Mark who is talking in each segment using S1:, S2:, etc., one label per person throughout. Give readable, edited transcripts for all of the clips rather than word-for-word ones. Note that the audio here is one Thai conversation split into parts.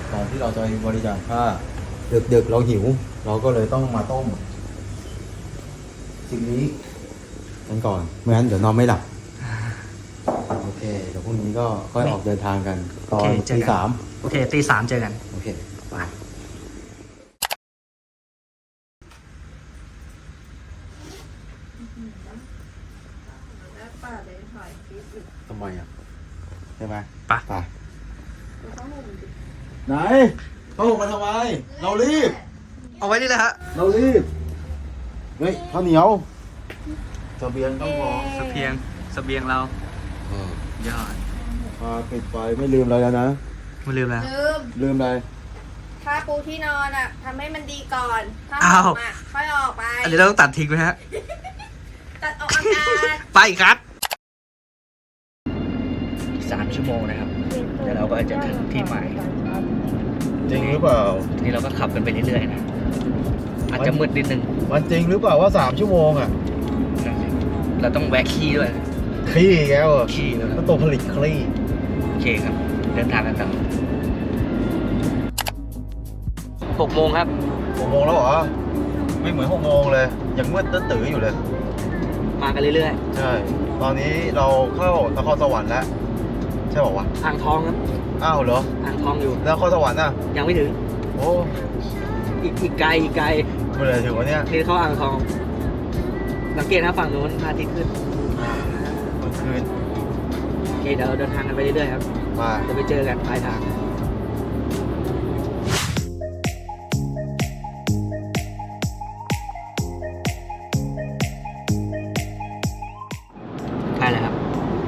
S1: ก่อนที่เราจะไปบริจาคผ้าดึกๆเราหิว เราก็เลยต้องมาต้มสิ่งนี้กันก่อนไม่งั้นเดี๋ยวนอนไม่หลับโอเคเดี๋ยวพรุ่งนี้ก็ค่อยออกเดินทางกันตอนตี 3
S2: โอเคตี 3เจอกัน
S1: โอเคไปทำไมอ่ะใช่ไหมไปไหนเขาห่มมาทำไมเรารีบ
S2: เอาไว้นี่เลยฮะ
S1: เรารีบเฮ้ยข้าวเหนียวเสบียงต้องพอ
S2: เสบียงเรายอด
S1: ปิดไฟไม่ลืมอะไรแล้วนะ
S2: ไม่ลืมแล้ว
S1: ลืมอะไร
S3: ถ้าปูที่นอนอ่ะทำให้มันดีก่อน ถ้า
S2: อ้าว
S3: ออกมาค่อยออกไป
S2: อันนี้เราต้องตัดทิ้งไหมฮะ
S3: ตัดออกอากาศ
S2: ไปครับ3 ชั่วโมงนะครับเดี๋ยวเราก็จะถึงที่หมาย
S1: จริงหรือเปล่า
S2: ทีนี้เราก็ขับกันไปเรื่อยๆนะอาจจะมืดนิดนึง
S1: มันจริงหรือเปล่าว่า3 ชั่วโมงอ่ะ
S2: เราต้องแวะขี้ด้วย
S1: คลี่แก้วอ่ะ
S2: ขี้ด้วย
S1: ก็ตัวผลิตคลี่
S2: โอเคครับ เดินทางกันต่อ6 โมงครับ
S1: 6 โมงแล้วเหรอไม่เหมือน6 โมงเลยยังมืดตื้อๆอยู่เลย
S2: มากันเรื่อย
S1: ใช่ตอนนี้เราเข้านครสวรรค์แล้วใช่ป่าวะ
S2: ๆอ่างทองครับ
S1: อ้าวเหรอ
S2: อ่างทองอยู่
S1: นครสวรรค์อ่ะ
S2: ยังไม่ถึง
S1: โอ้
S2: อีกไกล
S1: เมื่อไหร่ถึงวะเนี่ย
S2: นี่เข้าอ่างทอง สังเกตนะฝั่งนู้นพระอาทิตย์ขึ้น
S1: เมื่อคืน
S2: โอเคเดี๋ยวเราเดินทางกันไปเรื่อยๆครับ
S1: มา
S2: จะไปเจอกันปลายทางใช่แล้วครับ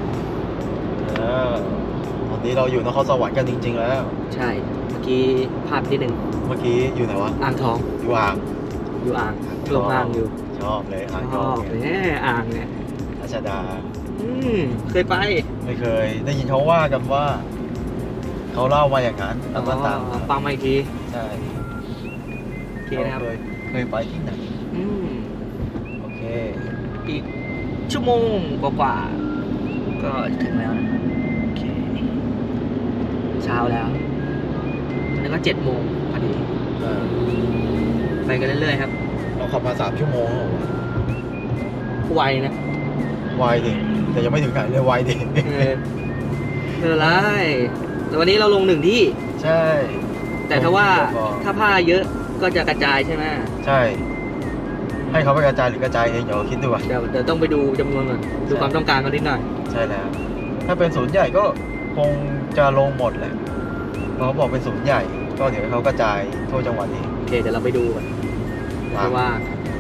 S1: ตอนนี้เราอยู่นครสวรรค์กันจริงๆแล้ว
S2: ใช่ เมื่อกี้ภาพที่หนึ่ง
S1: เมื่อกี้อยู่ไหนวะ
S2: อ่างทอง
S1: อยู่อ่าง
S2: อยู่อ่างลงอ่างอยู่
S1: ชอบเลยอ่าง
S2: ช
S1: ทอ
S2: อง บ
S1: เนี่ย
S2: เนี่ยอ่างเนี่ย
S1: รัชดา
S2: เคยไป
S1: ไม่เคยได้ยินเขาว่ากันว่า เขาเล่ามาอย่างนั้นแล้วก็ตาม
S2: ฟังมาอีกที
S1: ใช่
S2: โอเคนะครับ
S1: เคยไปที่ไหน
S2: อืม
S1: โอเค
S2: อีกชั่วโมงกว่าๆก็ถึงแล้วนะโอเค เช้าแล้วแล้วก็7 โมงพอดี ไปกันเรื่อยๆครับ
S1: เราขับมา3 ชั่วโมงแล้วเหรอวะ
S2: ไวนะ
S1: ไวดิแต่ยังไม่ถึงไหนเลยไวดิ
S2: ไม่เป็นไรแต่วันนี้เราลง1 ที่
S1: ใช่
S2: แต่ถ้าว่า
S1: ลงที่เดียวพอ
S2: ถ้าผ้าเยอะก็จะกระจายใช่ไหม
S1: ใช่ ให้เขาไปกระจายหรือกระจายเองเดี๋ยวคิดดูอ่ะ
S2: เดี๋ยวต้องไปดูจำนวนก่อนดูความต้องการกันนิดหน่อย
S1: ใช่แล้ว ถ้าเป็นศูนย์ใหญ่ก็คงจะลงหมดแหละเพราะเขาบอกเป็นศูนย์ใหญ่ ก็เดี๋ยวให้เขากระจายทั่วจังหวัดเอง
S2: โอเคเดี๋ยวเราไปดูกันว่า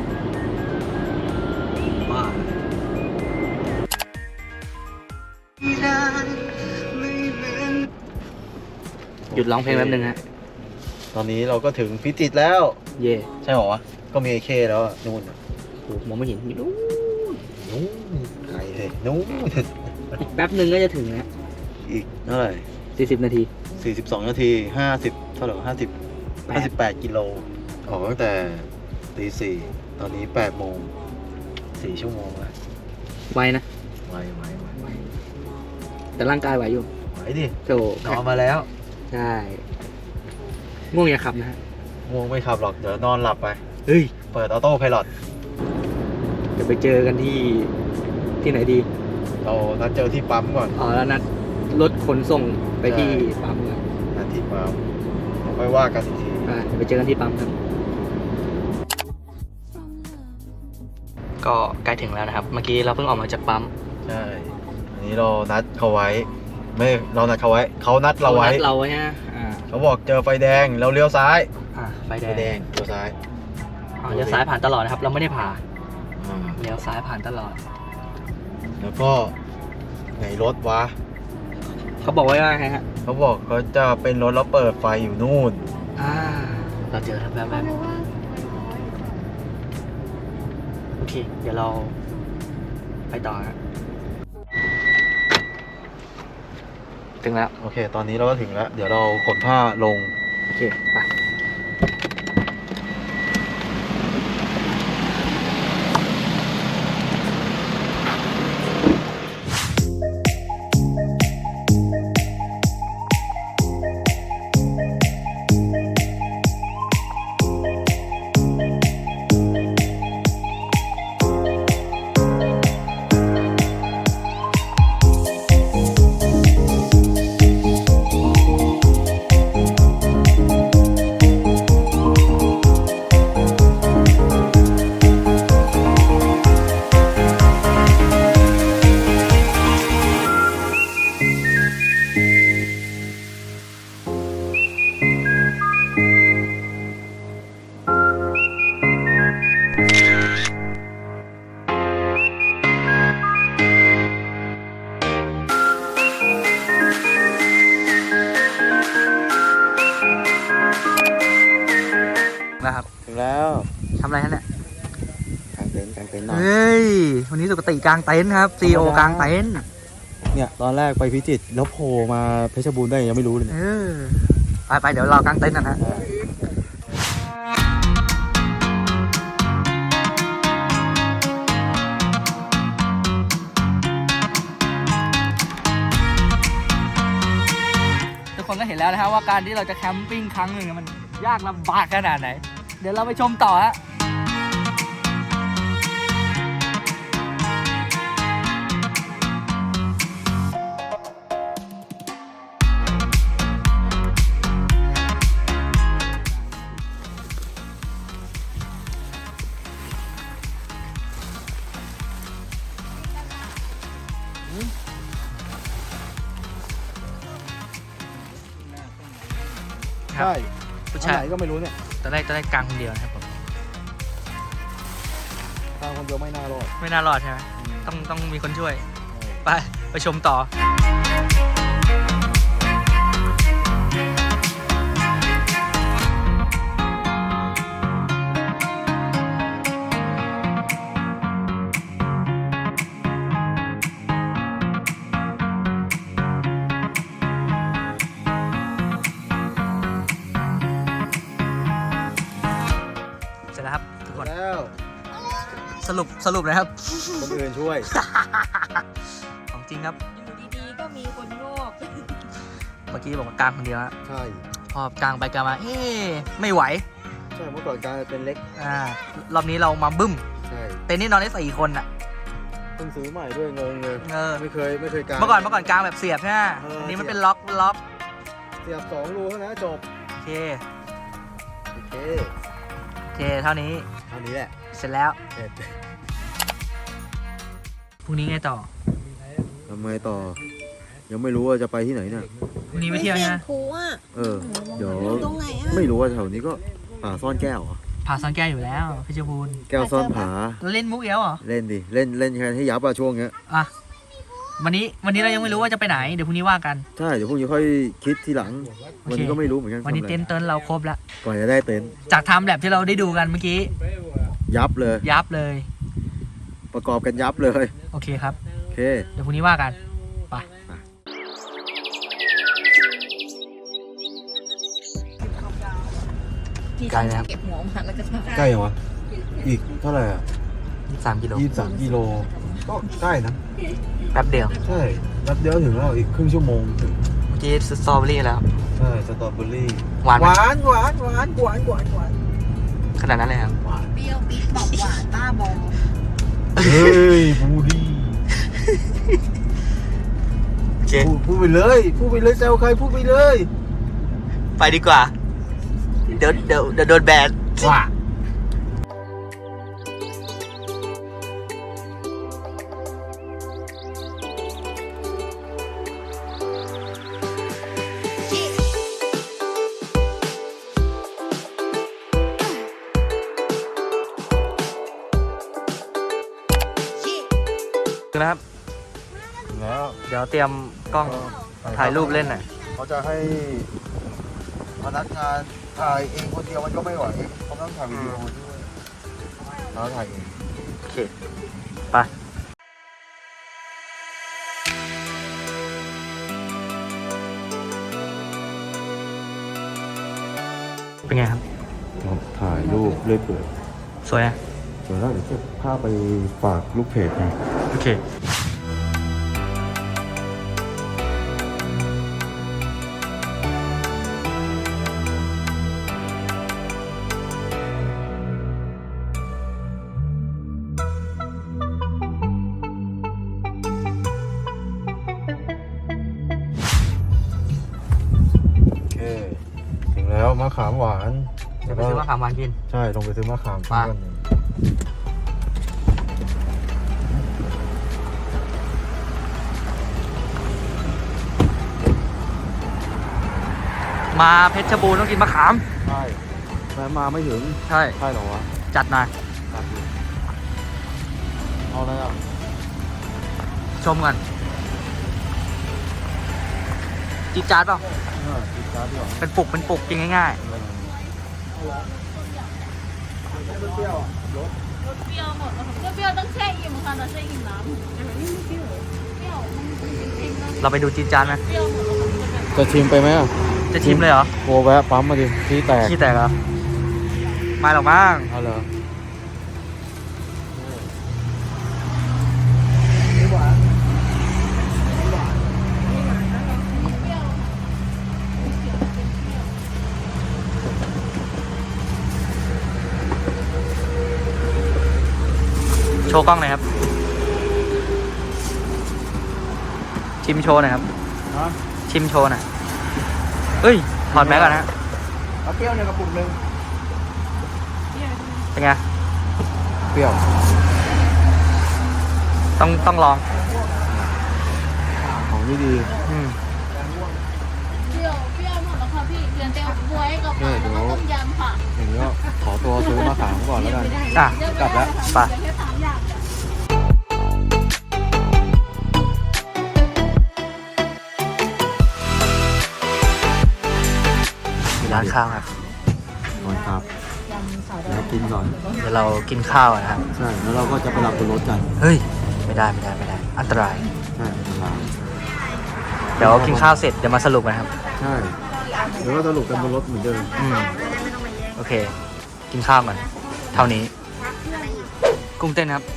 S2: หยุดร้องเพลงแป๊บนึงฮะ
S1: ตอนนี้เราก็ถึงพิจิตรแล้ว
S2: เย่
S1: ใช่หรอวะ ก็มีไอเคแล้วอะนู่นอะ
S2: โอ้มองไม่เห็นอยู่นู้น
S1: นู่นไกลเลยนู่น
S2: อีกแป๊บนึงก็จะถึงแล้ว
S1: อีกเท่าไหร่
S2: 40 นาที
S1: 42 นาที 50 เท่าไหร่วะ58 กิโล ออกตั้งแต่ตี 4 ตอนนี้ 8 โมง 4 ชั่วโมงแล้ว
S2: ไวนะ
S1: ไว
S2: แต่ร่างกายไหวอยู่
S1: ไหวดิ
S2: โถ
S1: นอนมาแล้ว
S2: ใช่ง่วงอย่าขับนะฮะ
S1: ง่วงไม่ขับหรอก เดี๋ยวนอนหลับไป
S2: เฮ้ย
S1: เปิดออโต้ไพลอต
S2: เดี๋ยวไปเจอกันที่ไหนดี
S1: เรานัดเจอที่ปั๊มก่อน
S2: อ๋อแล้วนัดรถขนส่งไปที่ปั๊มกัน
S1: นัดที่ปั๊มเดี๋ยวค่อยว่ากันอีกที
S2: เดี๋ยวไปเจอกันที่ปั๊มครับก็ใกล้ถึงแล้วนะครับ เมื่อกี้เราเพิ่งออกมาจากปั๊ม
S1: ใช่ อันนี้เรานัดเขาไว้ ไม่เรานัดเขาไว้ เขานัดเราไว้
S2: นัดเราไว้ฮะ
S1: เขาบอกเจอไฟแดงเราเลี้ยวซ้าย
S2: ไฟแด
S1: ไฟแด
S2: ง
S1: งเลี้ยวซ้าย
S2: เลี้ยวซ้ายผ่านตลอดนะครับ เราไม่ได้ผ่า
S1: อ่า
S2: เลี้ยวซ้ายผ่านตลอด
S1: แล้วก็ไหนรถวะ
S2: เขาบอกไว้ว่าไงฮะ
S1: เขาบอกเขาจะเป็นรถแล้วเปิดไฟอยู่นู่น
S2: เราเจอแล้วแบบโอเค เดี๋ยวเราไปต่อฮะถึงแล้ว
S1: โอเค ตอนนี้เราก็ถึงแล้ว เดี๋ยวเราขนผ้าลง
S2: โอเค ไปแล้วครับ
S1: ถึงแล้ว
S2: ทำอะไรฮะเนี่ย
S1: กางเต็นท์หน่อย
S2: เฮ้ย วันนี้สุกติกลางเต็นท์ครับซีโอกลางเต็นท์
S1: เนี่ยตอนแรกไปพิจิตรแล้วโผล่มาเพชรบูรณ์ได้ยังไม่รู้เลย
S2: เออไปเดี๋ยวเรากางเต็นท์กันฮะทุกคนก็เห็นแล้วนะครับว่าการที่เราจะแคมปิ้งครั้งหนึ่งมันยากลำบากขนาดไหน เดี๋ยวเราไปชมต่อฮะ
S1: ใช่
S2: ผู้
S1: ทา
S2: ชาง ย
S1: ไหนก็ไม่รู้เนี่ย
S2: ตอนแรกกลางคนเดียวนะครับผม
S1: ทางคนเดียวไม่น่ารอด
S2: ไม่น่ารอดใช่ไหมต้องมีคนช่วย ไปชมต่อ เสร็จแล้วครับทุกคน
S1: แล้ว
S2: สรุปนะครับ
S1: คนอื่นช่วย
S2: ของจริงครับ
S3: อยู่ดีๆ ก็มีคนโงก
S2: เมื่อกี้บอกว่ากลางคนเดียวฮะ
S1: ใช่
S2: พอกลางไปกลางมา ไม่ไหว
S1: ใช่เมื่อก่อนการเป็นเล็ก
S2: รอบนี้เรามาบึ้ม
S1: ใช่
S2: เต็นท์นี่นอนได้4 คนอ่ะ
S1: เพิ่งซื้อใหม่ด้วยงงเลย ไม่เคยกาง
S2: เมื่อก่อนกลางแบบเสียบใช่ไหม
S1: เอออั
S2: อันนี้มันเป็นล็อก
S1: เสียบ2 รูเท่านั้นจบ
S2: โอเค
S1: โอเค
S2: เท่านี้
S1: เท่านี้แหละ
S2: เสร็จแล้ว
S1: เสร็จ
S2: พรุ่งนี้ไงต่อ
S1: ทำไงต่อ ยังไม่รู้ว่าจะไปที่ไหนเนี่ย
S2: พรุ่งนี้ไปเที่ยว
S3: เสีย
S2: ใช่
S3: ง
S2: ไหม
S3: คูอ่ะ
S1: เดี๋ยว
S3: อยู่ตรงไหนอ่ะ
S1: ไม่รู้ว่าแถวนี้ก็ป่าซ่อนแก้วเหรอ
S2: ผาซ่อนแก้วอยู่แล้วเพชรบูรณ์
S1: แก้วซ่อนผา
S2: แล้วเล่นมุกเอี้ยวเหรอ
S1: เล่นดิเล่นแค่ให้ยับอะช่วงเนี้ย
S2: อ่ะวันนี้เรายังไม่รู้ว่าจะไปไหนเดี๋ยวพรุ่งนี้ว่ากัน
S1: ใช่เดี๋ยวพรุ่งนี้ค่อยคิดทีหลัง วันนี้ก็ไม่รู้เหมือนกัน
S2: วันนี้
S1: ทำอะไร
S2: เต็นท์เราครบแล้ว
S1: ก่อนจะได้เต็นท์
S2: จากไทม์แลปที่เราได้ดูกันเมื่อกี้
S1: ยับเลย
S2: ยับเลย
S1: ประกอบกันยับเลย
S2: โอเคครับ
S1: โอเค
S2: เดี๋ยวพรุ่งนี้ว่ากันไปไกลนะครับ
S3: เก็บหัวมันแล้วก็ทำ
S1: ใกล้ยังวะอีกเท่าไหร่อ่ะ
S2: 3 กิโล
S1: 23 กิโลก็ใกล้นะ
S2: แป๊บเดียว
S1: ใช่แป๊บเดียวถึงแล้วอีกครึ่งชั่วโมงถึง
S2: เมื่อกี้สตรอเบอรี่แล้ว
S1: ใช่สตรอเบอรี่
S2: หวานไห
S1: ห
S2: ม
S1: วาน
S2: ขนาดนั้นเลยครับ
S3: เปรี้ยวปิ๊ดบอกหวานบ้าบอ
S1: เฮ้ยบูดี้
S2: โอเค
S1: พูดไปเลยแซวใครพูดไปเลย
S2: ไปดีกว่า เดี๋ยวโดนแบน
S1: ว่า
S2: นะครับ
S1: แล้ว
S2: เดี๋ยวเตรียมกล้องถ่ายรูปเล่นหน่อย
S1: เขาจะให้พนักงานถ่ายเองคนเดียวมันก็ไม่ไหวเขาต้องถ่ายวิดีโอด้วยแล้วถ่ายเอง
S2: โอเค ไป เป็นไงครับ
S1: ถ่ายรูปเรื่อยเปื่อย
S2: สวยอ่ะ
S1: เดี๋ยวเราจะพาไปฝากลูกเพจไง
S2: โอเค
S1: โอเคถึงแล้วมะขามหวาน
S2: เดี๋ยวไปซื้อมะขามหวานกิน
S1: ใช่ลงไปซื้อมะขาม
S2: มา
S1: กันหนึ่ง
S2: มาเพชรบูรณ์ต้องกินมะขาม
S1: ใช่แต่มาไม่ถึง
S2: ใช่
S1: ใช่เหรอวะ
S2: จัดหน่อย
S1: ตัดอยู่เอาอะไรอ่ะ
S2: ชมกันจี๊ดจ๊าดเปล่า
S1: ติดการ์ดดีกว่า
S2: เป็นปุกกินง่าย
S4: รสเปรี้ยวหมดแล้วเปรี้ยวต้องแช่อิ่มค่ะแต่แช่อิ่มน้ำเปรี้ยวจริงๆแล้ว
S2: เราไปดูจีนจานไหม
S4: เปรี้ยวหมดแล้วมันจะแบบ
S1: จะชิมไปไหมอ่ะ
S2: จะชิมเลยเหรอ
S1: โวแวะปั๊มมาดิที่แตก
S2: ขี้แตกเหรอไม่หรอกมั้ง
S1: เอาเหรอ
S2: โชว์กล้องหน่อยครับ ชิมโชว์หน่อยครับ
S1: ฮะ
S2: ชิมโชว์หน่อยเอ้ย ถอดแมสก่อนนะ
S1: เอาเปรี้ยวในกระปุกนึง
S2: เป็นไง
S1: เปรี้ยว
S2: ต้องลอง
S1: ของดี
S2: อืม
S4: เปรี้ยวหมดแล้วค่ะพี่เปลี่ยนเตียวบวยกับปลาแล้วก็ต้มยำค่ะ
S1: ๆอย่างนี้ก็ขอตัวซื้อมาขามก่อนแล้วกัน
S2: อ่ะ
S1: กลับแล้ว
S2: ไป
S4: แค่3 อย่าง
S2: ร้านข้าวครับ
S1: ก่อนครับแล้วกินก่อน
S2: เดี๋ยวเรากินข้าวกันนะครับ
S1: ใช่ แล้วเราก็จะไปหลับบนรถกัน
S2: เฮ้ย ไม่ได้ อันตราย
S1: ใช่เวลา
S2: เดี๋ยวกินข้าวเสร็จเดี๋ยวมาสรุปกันครับ
S1: ใช่เดี๋ยวก็สรุปกันบนรถเหมือนเดิม
S2: อืม โอเค กินข้าวก่อน เท่านี้ กุ้งเต้นครับ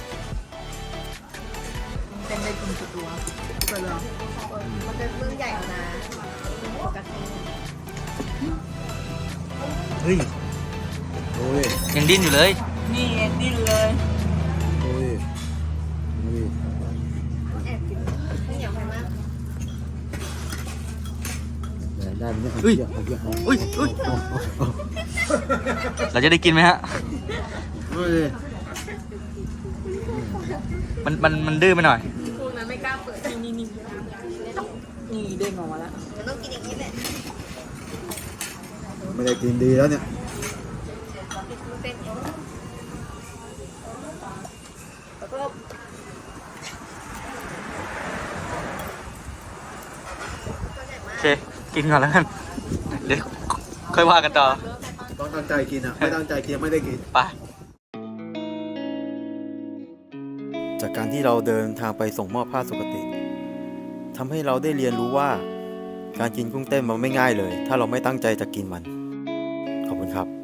S3: เป็นได้กินตัวมันเป็นเรื่องใหญ่เอานะปกติ
S2: เฮ้ย
S1: โอ้ย
S2: ยังดิ้นอยู่เลย
S4: นี่ดิ้นเลย
S1: โอ้ยโอ้ย
S3: แอบกินไม่เหนียวไปมาก
S1: ได้ไหมเนี่ย
S2: เฮ้ย
S1: เอาเยอะเอา
S2: อุ้ย เราจะได้กินไหมฮะ
S1: เฮ้ย
S2: มันดื้อไปหน่อย
S3: พวกนั้นไม่กล้าเปิดนี่เด้งออกมาแล้วมันต้องกินอย่างนี้แหละ
S1: ไม่ได้กินดีแล้วเนี่ย
S3: เส้นอย่างนี้แล้วก็
S2: โอเค กินก่อนแล้วกัน เดี๋ยวค่อยว่ากันต่อ
S1: ต้องตั้งใจกินอ่ะ ไม่ตั้งใจกินไม่ได้กิน
S2: ไป
S1: จากการที่เราเดินทางไปส่งมอบผ้าสุกติทำให้เราได้เรียนรู้ว่า การกินกุ้งเต้นมันไม่ง่ายเลย ถ้าเราไม่ตั้งใจจะกินมัน ขอบคุณครับ